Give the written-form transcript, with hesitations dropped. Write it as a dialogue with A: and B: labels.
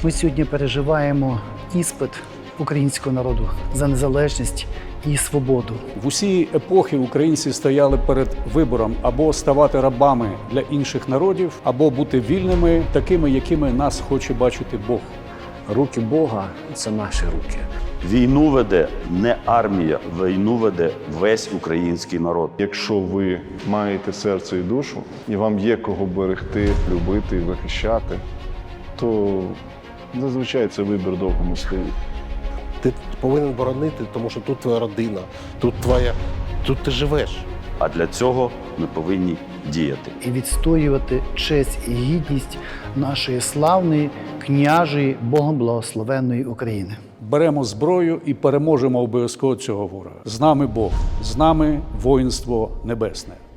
A: Ми сьогодні переживаємо іспит українського народу за незалежність і свободу.
B: В усі епохи українці стояли перед вибором або ставати рабами для інших народів, або бути вільними, такими, якими нас хоче бачити Бог.
C: Руки Бога – це наші руки.
D: Війну веде не армія, війну веде весь український народ.
E: Якщо ви маєте серце і душу, і вам є кого берегти, любити і захищати, то зазвичай це вибір довго не стоїть.
F: Ти повинен боронити, тому що тут твоя родина, тут ти живеш.
D: А для цього ми повинні діяти.
A: І відстоювати честь і гідність нашої славної, княжої, Богом благословенної України.
B: Беремо зброю і переможемо обов'язково цього ворога. З нами Бог, з нами воїнство небесне.